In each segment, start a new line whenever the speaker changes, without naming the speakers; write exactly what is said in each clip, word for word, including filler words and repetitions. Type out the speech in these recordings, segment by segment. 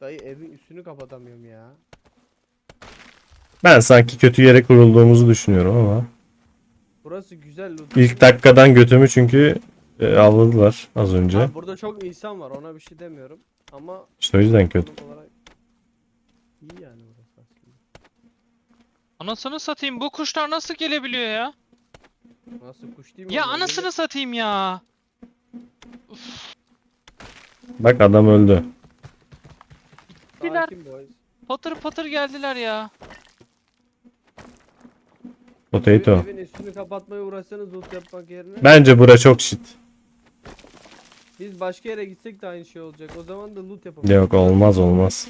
Dayı evin üstünü kapatamıyorum ya.
Ben sanki kötü yere kurulduğumuzu düşünüyorum ama.
Burası güzel loot.
İlk dakikadan götümü çünkü e, avladılar az önce.
Ha, burada çok insan var, ona bir şey demiyorum. Ama
İşte o yüzden kötü.
konum olarak iyi yani burası aslında.
Anasını satayım, bu kuşlar nasıl gelebiliyor ya?
Nasıl kuş değil mi?
Ya
onlar?
anasını satayım ya.
Bak adam öldü.
Böyle- Sakin boys.
Patır patır geldiler ya.
Potato.
Evin üstünü kapatmaya uğraşsanız loot yapmak yerine
Bence bura çok shit.
biz başka yere gitsek de aynı şey olacak. O zaman da loot yapamayız.
Yok olmaz olmaz.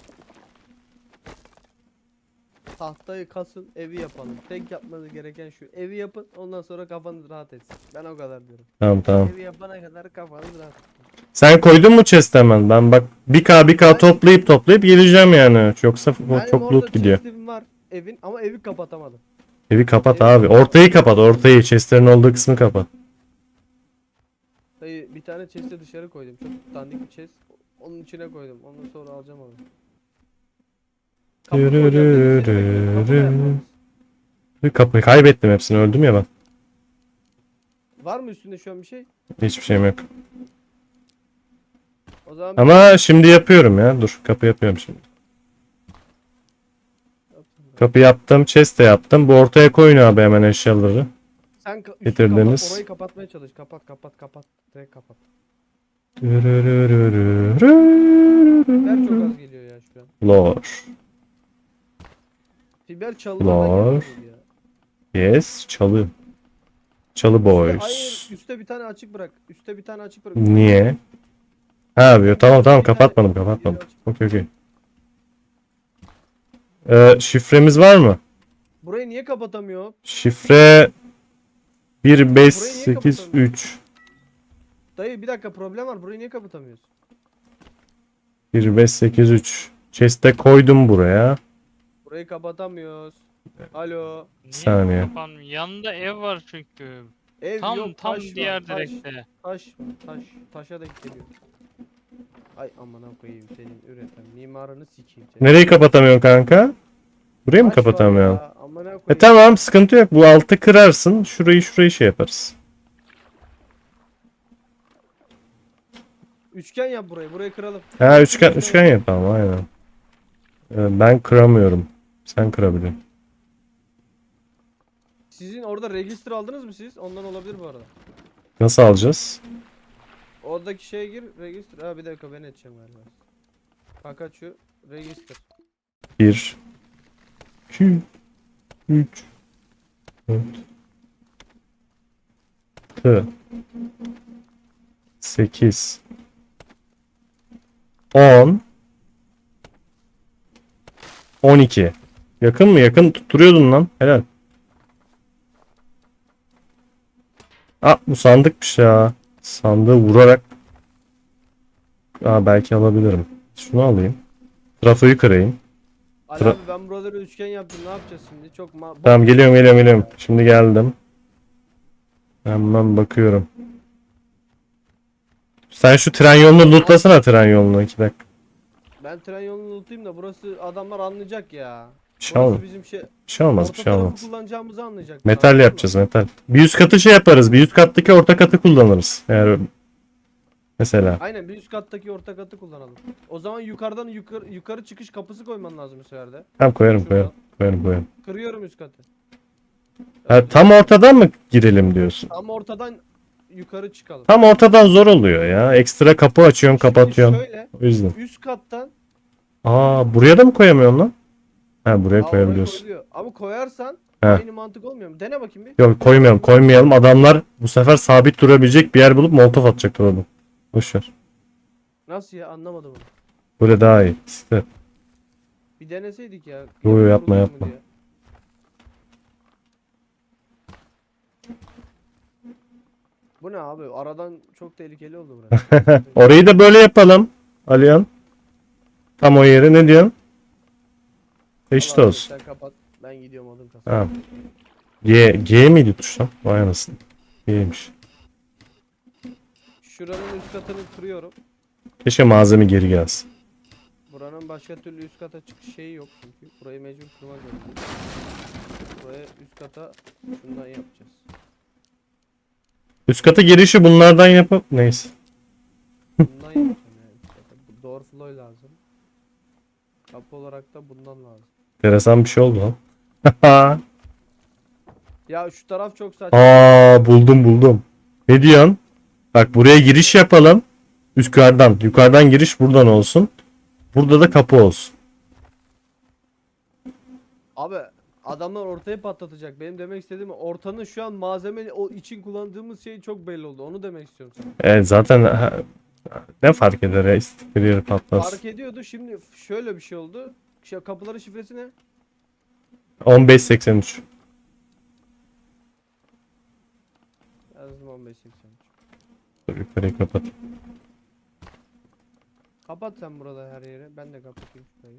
Tahtayı kasın, evi yapalım. Tek yapmanız gereken şu. Evi yapın, ondan sonra kafanız rahat etsin. Ben o kadar diyorum.
Tamam tamam.
Evi yapana kadar kafanız rahat etsin.
Sen koydun mu chest hemen? Ben bak bir k bir k
Ben-
toplayıp toplayıp geleceğim yani. Yoksa
Benim
çok
orada
loot gidiyor.
chest'im var evin ama evi kapatamadım.
Evi kapat
Evi
abi.
kapat.
Ortayı kapat ortayı. Chestlerin olduğu kısmı kapat.
Dayı bir tane chest'i dışarı koydum. Çok dandik bir chest. Onun içine koydum. Ondan sonra alacağım onu. Kapı koyacağım dedim, seni bekliyorum. Kapı da yapmamış.
Bir kapıyı kaybettim hepsini. Öldüm ya ben.
Var mı üstünde şu an bir şey?
Hiçbir şeyim yok.
O zaman
Ama şimdi yapıyorum ya. Dur kapı yapıyorum şimdi. Kapı yaptım. Chest de yaptım. Bu ortaya koyun abi hemen eşyaları.
sen ka- üstünü
getirdiniz.
kapat, orayı kapatmaya çalış. Kapat kapat kapat. Direkt kapat. Ver çok az geliyor ya şu an.
Lor.
Fiber çalılardan
Var.
gelmiyor ya.
Yes. Çalı. Çalı
Üste,
boys.
hayır, üstte bir tane açık bırak. Üste bir tane açık bırak.
Niye? Ha abi tamam tamam
Bir tane-
kapatmadım
biri
kapatmadım.
açık.
Okey okey. Ee, şifremiz var mı?
Burayı niye kapatamıyor?
Şifre bir beş
Burayı niye
sekiz
kapatamıyor?
üç.
Dayı bir dakika, problem var. Burayı niye kapatamıyoruz?
bir beş sekiz üç. Chest'e koydum buraya.
Burayı kapatamıyoruz. Alo.
Niye
Saniye.
kapanmıyor? Yanında ev var çünkü.
Ev
Tam
yok,
tam
taş
diğer
var. Taş,
direkte.
taş var. Taş. Taşa da geliyor. Ay amına koyayım senin üreten mimarını sikeyim seni.
Nereyi kapatamıyorsun kanka? Burayı mı
Taş var
kapatamıyorsun?
ya, amına koyayım.
E tamam sıkıntı yok. Bu altı kırarsın. Şurayı şurayı şey yaparız.
Üçgen yap burayı. Burayı kıralım.
Ha üçgen üçgen yap tamam aynen. Ee, ben kıramıyorum. Sen kırabiliyorsun.
Sizin orada register aldınız mı siz? Ondan olabilir bu arada.
Nasıl alacağız?
Oradaki şeye gir, register. Ha bir dakika ben edeceğim galiba. Fakat şu register.
bir iki üç dört altı sekiz on on iki. Yakın mı? Yakın tutturuyordun lan. Helal. Aa bu sandıkmış ya. Sandığı vurarak. Aa belki alabilirim. Şunu alayım. Trafoyu kırayım.
Ali
Tra-
abi ben buraları üçgen yaptım. Ne yapacağız şimdi? Çok ma
Tamam geliyorum geliyorum geliyorum. Şimdi geldim. Hemen bakıyorum. Sen şu tren yolunu lootlasana tren yolunu iki dakika.
Ben tren yolunu unutayım da burası adamlar anlayacak ya.
Bir şey
Burası
olmaz.
bizim şey.
Bir şey olmaz bir
Orta
şey
tarafı
olmaz.
kullanacağımızı anlayacak.
Metal
Anladın mı?
yapacağız metal. Bir üst katı şey yaparız. Bir üst kattaki orta katı kullanırız. Eğer mesela.
Aynen bir üst kattaki orta katı kullanalım. O zaman yukarıdan yukarı yukarı çıkış kapısı koyman lazım bu sefer de.
Tamam koyarım
Şuradan.
koyarım. Koyarım koyarım.
Kırıyorum üst katı.
Ha, tam ortadan mı girelim diyorsun?
Tam ortadan yukarı çıkalım.
Tam ortadan zor oluyor ya. Ekstra kapı açıyorsun
Şimdi
kapatıyorsun.
şöyle
O yüzden.
üst kattan
Aa buraya da mı koyamıyorsun lan? Ha buraya
Aa, oraya
koyabiliyorsun.
koyuluyor. Ama koyarsan
He.
aynı mantık olmuyor mu? Dene bakayım bir.
Yok koymayalım koymayalım. Adamlar bu sefer sabit durabilecek bir yer bulup molotof atacaklar oğlum. Boşver.
Nasıl ya, anlamadım onu.
Böyle daha iyi. İşte.
Bir deneseydik ya.
Yo, yo,
Yapılır
yapma,
mu
yapma.
diye. Bu ne abi? Aradan çok tehlikeli oldu burası.
Orayı da böyle yapalım. Aliyan. Tam o yere ne diyorsun? Eşit
Vallahi
olsun.
Sen kapat. Ben gidiyorum odun kasaya.
Tamam. G, G miydi tuş lan? Vay anasını. G'ymiş.
Şuranın üst katını kırıyorum.
Keşke malzeme geri gelsin.
Buranın başka türlü üst kata çıkış şeyi yok çünkü. Burayı mecbur kırmak zorundayız. Buraya üst kata şundan yapacağız.
Üst kata girişi bunlardan yapıp neyse.
Bundan yapacağım yani üst kata. Bu door flow lazım. Kapı olarak da bundan lazım.
Enteresan bir şey oldu lan.
Ya şu taraf çok saçma.
Aa, buldum buldum. Ne diyorsun? Bak buraya giriş yapalım. Yukarıdan. Yukarıdan giriş buradan olsun. Burada da kapı olsun.
Abi adamlar ortayı patlatacak. Benim demek istediğim ortanın şu an malzeme o için kullandığımız şey çok belli oldu. Onu demek istiyorum sana.
Evet zaten ha, ne fark eder ya istikleri yeri patlasın.
Fark ediyordu. Şimdi şöyle bir şey oldu. Şu kapıların şifresi ne?
on beş seksen üç.
Yazdım on beş seksen üç.
Dur yukarıyı kapat.
Kapat sen burada her yeri. Ben de kapatayım şurayı.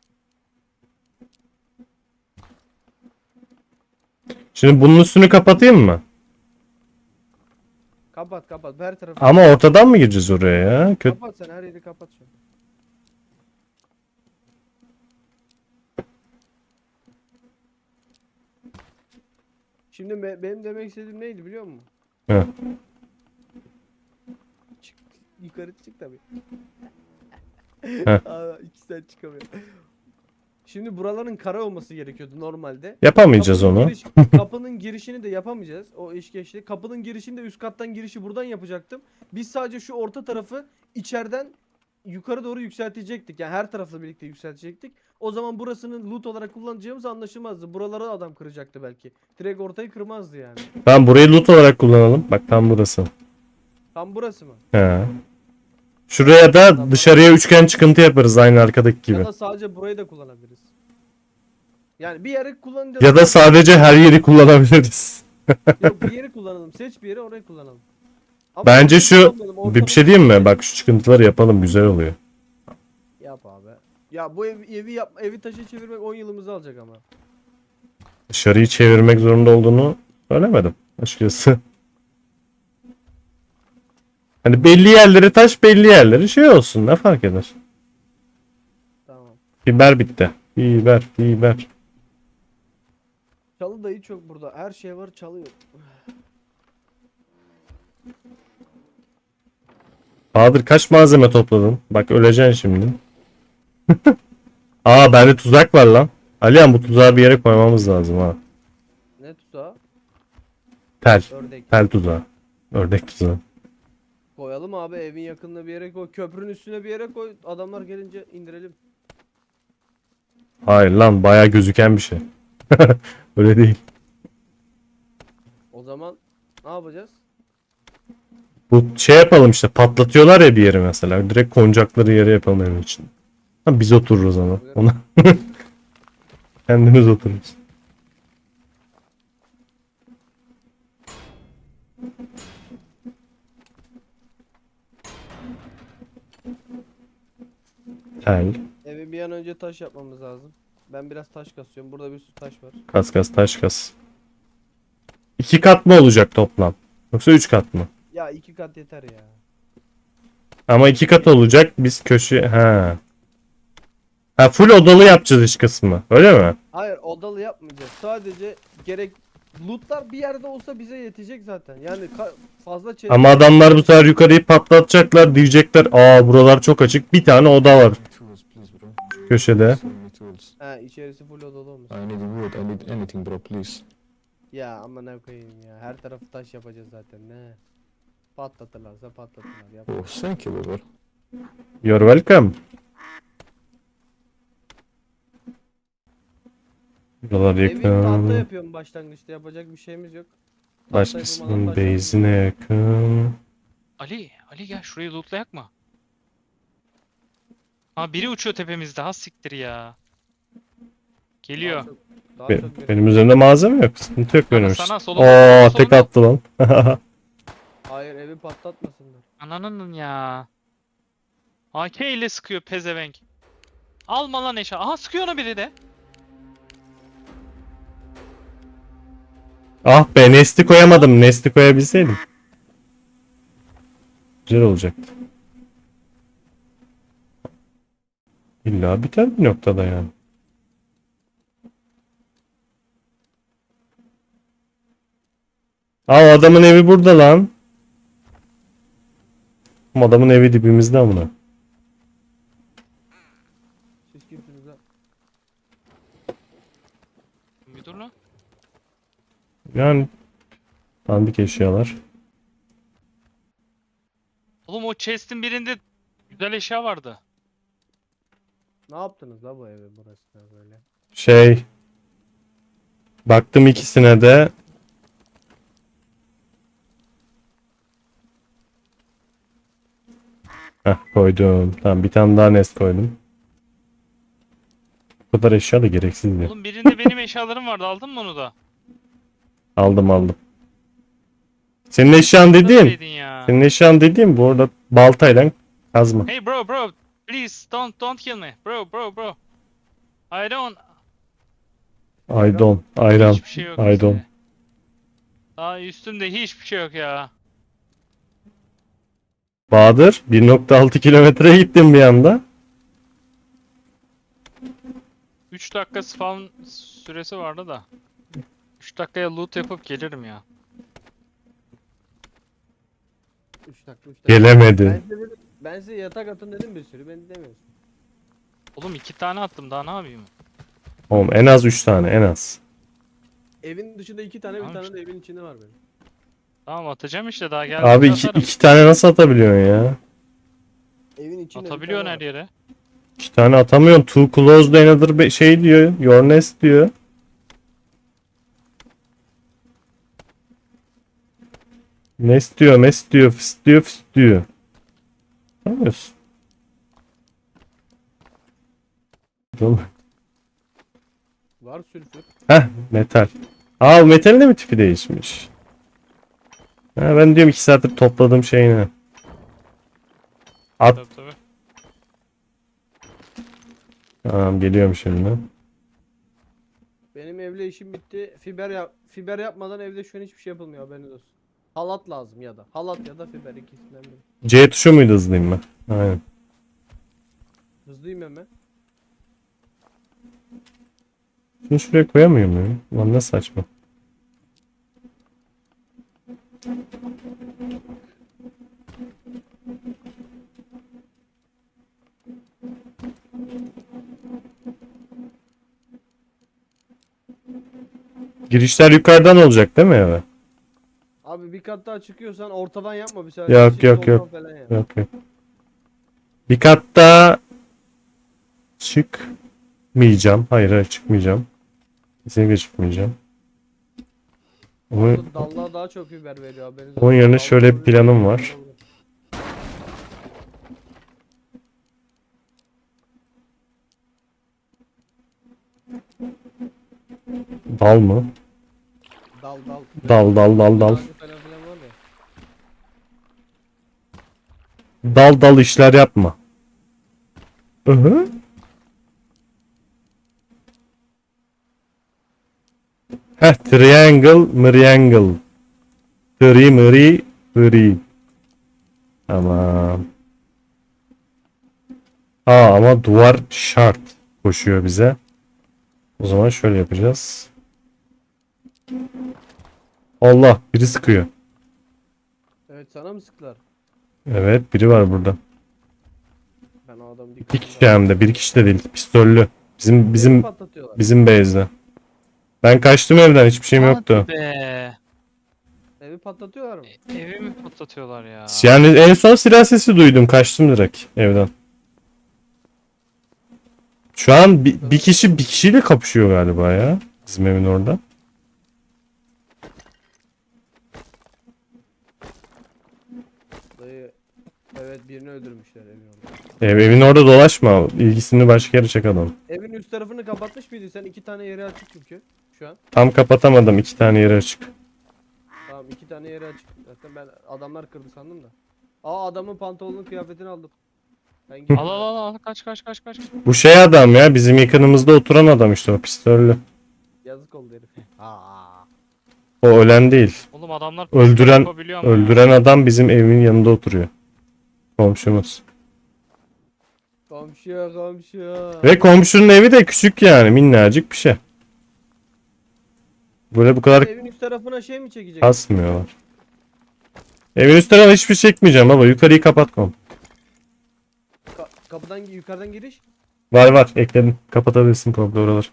Şimdi bunun üstünü kapatayım mı?
Kapat kapat. Her tarafı.
Ama ortadan mı gireceğiz oraya ya? Kötü.
Kapat sen her yeri kapat şu an. Şimdi be- benim demek istediğim neydi biliyor musun?
He.
Çık, yukarı çık tabii.
Heh.
Aa, iki saat çıkamıyor. Şimdi buraların kara olması gerekiyordu normalde.
Yapamayacağız
Kapının
onu.
giriş- kapının girişini de yapamayacağız. O iş geçti. Kapının girişini de üst kattan girişi buradan yapacaktım. Biz sadece şu orta tarafı içeriden yukarı doğru yükseltecektik. Yani her tarafla birlikte yükseltecektik. O zaman burasını loot olarak kullanacağımız anlaşılmazdı. Buraları adam kıracaktı belki. Direkt ortayı kırmazdı yani.
Tamam burayı loot olarak kullanalım. Bak tam burası.
Tam burası mı?
He. Şuraya da dışarıya üçgen çıkıntı yaparız aynı arkadaki gibi.
Ya da sadece burayı da kullanabiliriz. Yani bir yere kullanacağız.
Ya da sadece her yeri kullanabiliriz.
Yok, bir yeri kullanalım. Seç bir yeri orayı kullanalım. Ama
Bence
ortayı
şu
kullanmayalım,
bir, bir
ortalığı
şey diyeyim mi?
kullanalım.
Bak şu çıkıntıları yapalım güzel oluyor.
Yap abi. Ya bu ev, evi yap, evi taşa çevirmek on yılımızı alacak ama.
Dışarıyı çevirmek zorunda olduğunu söylemedim açıkçası. Hani belli yerleri taş belli yerleri şey olsun ne fark eder.
Tamam.
Biber bitti. Biber biber.
Çalı dayı çok burada. Her şey var, çalıyor.
Bahadır kaç malzeme topladın? Bak öleceksin şimdi. Aa bende tuzak var lan. Alihan bu tuzağı bir yere koymamız lazım ha.
Ne tuzağı?
Tel.
Ördek.
Tel tuzağı. Ördek tuzağı.
Koyalım abi, evin yakınına bir yere koy. Köprünün üstüne bir yere koy. Adamlar gelince indirelim.
Hayır lan bayağı gözüken bir şey. Öyle değil.
O zaman ne yapacağız?
Bu şey yapalım işte patlatıyorlar ya bir yeri mesela. Direkt konacakları yere yapalım evin için. Ha, biz otururuz ama. Ona. Kendimiz otururuz. Tel.
Evi bir an önce taş yapmamız lazım. Ben biraz taş kasıyorum. Burada bir sürü taş var.
Kas kas taş kas. İki kat mı olacak toplam? Yoksa üç kat mı?
Ya iki kat yeter ya.
Ama iki kat olacak. Biz köşe... Ha. Ha full odalı yapacağız iç kısmı. Öyle mi?
Hayır, odalı yapmayacağız. Sadece gerek lootlar bir yerde olsa bize yetecek zaten. Yani ka- fazla chest-
Ama adamlar bu sefer yukarıyı patlatacaklar. Diyecekler aa buralar çok açık. Bir tane oda var
Tools, please, bro.
köşede.
So many tools.
Ha, içerisi full odalı olmuş.
I need wood. I need anything, bro, please.
Ya ama ne koyayım ya. Her tarafı taş yapacağız zaten. Ne? Patlatırlarsa patlatırlar. Yap.
Oh, thank you, bro.
You're welcome. Buralar
Evi tahta
yakın.
yapıyorum başlangıçta. Yapacak bir şeyimiz yok. Tahta yapılmadan
Başkasının
taş yapıyoruz.
base'ine yakın.
Ali, Ali gel şurayı lootlayak mı? Ha biri uçuyor tepemizde. Ha siktir ya. Geliyor.
Daha çok, daha
Be-
çok
benim üzerimde malzeme yok. Sıkıntı yok
Sana,
benim
sana,
için.
solunda,
Oo
solunda,
tek
solunda.
attı lan.
Hayır, evi patlatmasınlar.
Ananın ya. A K ile sıkıyor pezevenk. Alma lan eşya. Aha sıkıyor ona biri de.
Ah be Nesti koyamadım. Nesti koyabilseydim. Güzel olacaktı. İlla biter bir noktada yani. Aa, o adamın evi burada lan. Ama adamın evi dibimizde amına.
Siz kimsiniz lan?
Bir dur lan.
Yani dandik eşyalar.
Oğlum o chest'in birinde güzel eşya vardı.
Ne yaptınız la bu evi burasına böyle?
Şey, baktım ikisine de. Heh, koydum. Tamam, bir tane daha nest koydum. Bu kadar eşya da gereksizdi.
Oğlum birinde benim eşyalarım vardı. Aldın mı onu da?
Aldım aldım. Senin eşyan dediğim.
Neredeydin ya?
Senin eşyan dediğim bu arada baltayla kazma.
Hey bro bro. Please don't don't kill me. Bro bro bro. I don't.
I don't. Ayran.
Hiçbir şey yok.
I don't.
üstünde. Daha üstümde hiçbir şey yok ya.
Bahadır bir nokta altı kilometre gittim bir anda.
üç dakika spawn süresi vardı da. üç dakikaya loot yapıp gelirim ya.
üç dakika üç dakika.
Gelemedi.
Ben size, dedim- ben size yatak atın dedim bir sürü. Ben demiyorsun.
Oğlum iki tane attım daha ne yapayım?
Oğlum en az üç tane en az.
Evin dışında iki tane bir
Tamam
tane
işte.
de evin içinde var benim.
Tamam atacağım işte daha geldi.
Abi iki, iki tane nasıl atabiliyorsun ya?
Evin içinde bir
Atabiliyorsun
tane
her
var.
yere.
İki tane atamıyorsun. Too close to another be- şey diyor. Your nest diyor. Nest diyor, mest diyor, fıst diyor, fıst diyor. Anlamıyorsun. Oğlum.
Var sülfür.
Heh, metal. Aa, bu metalin de mi tipi değişmiş? Ha, ben diyorum iki saattir topladığım şey ne? At.
Tabii tabii.
Tamam, geliyorum şimdi.
Benim evle işim bitti. Fiber yap fiber yapmadan evde şu an hiçbir şey yapılmıyor haberiniz olsun. Halat lazım ya da. Halat ya da fiber ikisinden biri.
C tuşu muydu hızlıyım ben? Aynen.
Hızlıyım hemen.
Şunu şuraya koyamıyor muyum? Lan ne saçma. Girişler yukarıdan olacak değil mi eve?
Abi bir kat daha çıkıyorsan ortadan yapma bir sefer.
Yok,
Çift
yok,
soldan
yok.
falan yap.
Yok yok. Bir kat daha çıkmayacağım. Hayır hayır çıkmayacağım. Kesinlikle çıkmayacağım. Ama
Orada dallığa daha çok fiber veriyor haberiniz
Onun
olsun.
yerine
Dallık
şöyle bir
oluyor,
planım
dallık
var.
oluyor.
dal mı?
Dal dal.
Dal dal dal dal.
Ağacı falan filan var ya.
Dal dal işler yapma. Hı. Heh, triangle, mriangle. Tri, mri, tri. Tamam. Aa, ama duvar şart koşuyor bize. O zaman şöyle yapacağız. Allah, biri sıkıyor.
Evet sana mı sıktılar?
Evet, biri var burada.
Ben o adamı
Bir
dikkat
kişi hem de, bir kişi de değil. Pistollü. Bizim bizim
patlatıyorlar.
bizim base'de. Ben kaçtım evden, hiçbir şeyim
Hadi
yoktu.
be.
Evi patlatıyorlar mı?
Evi mi patlatıyorlar ya?
Yani en son silah sesi duydum, kaçtım direkt evden. Şu an bir, bir kişi bir kişiyle kapışıyor galiba ya. Bizim evin orada.
Dayı evet birini öldürmüşler evin orada.
Ev, evin orada dolaşma. İlgisini başka yere çek adam.
Evin üst tarafını kapatmış mıydın sen? İki tane yeri açık çünkü şu an.
Tam kapatamadım. İki tane yere açık.
Tamam iki tane yeri açık. Zaten ben adamlar kırdı sandım da. Aa adamın pantolonun kıyafetini aldım. Ben gittim.
Al al al al kaç kaç kaç kaç.
Bu şey adam ya. Bizim yakınımızda oturan adam işte, o pistollü.
Yazık oldu herif. Aa.
O ölen değil.
Oğlum adamlar
Öldüren-
yapabiliyor ama ya.
Öldüren adam bizim evin yanında oturuyor. Komşumuz.
O Komşu komşu.
Ve komşunun evi de küçük yani, minnacık bir şey. Böyle bu kadar
Evin üst tarafına şey mi çekecek?
kasmıyorlar. Evin üst tarafına hiçbir şey çekmeyeceğim baba. Yukarıyı kapatmam.
Ka- kapıdan yukarıdan giriş.
Var var ekledim. Kapatabilirsin komple oraları.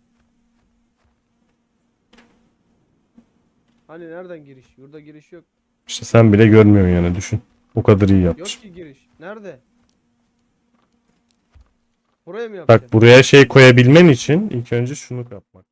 Hani nereden giriş? Burada giriş yok.
İşte sen bile görmüyorsun yani, düşün. O kadar iyi
Yok
yapmış.
ki giriş. Nerede? Buraya mı yapacaksın?
Bak buraya şey koyabilmen için ilk önce şunu yapmak.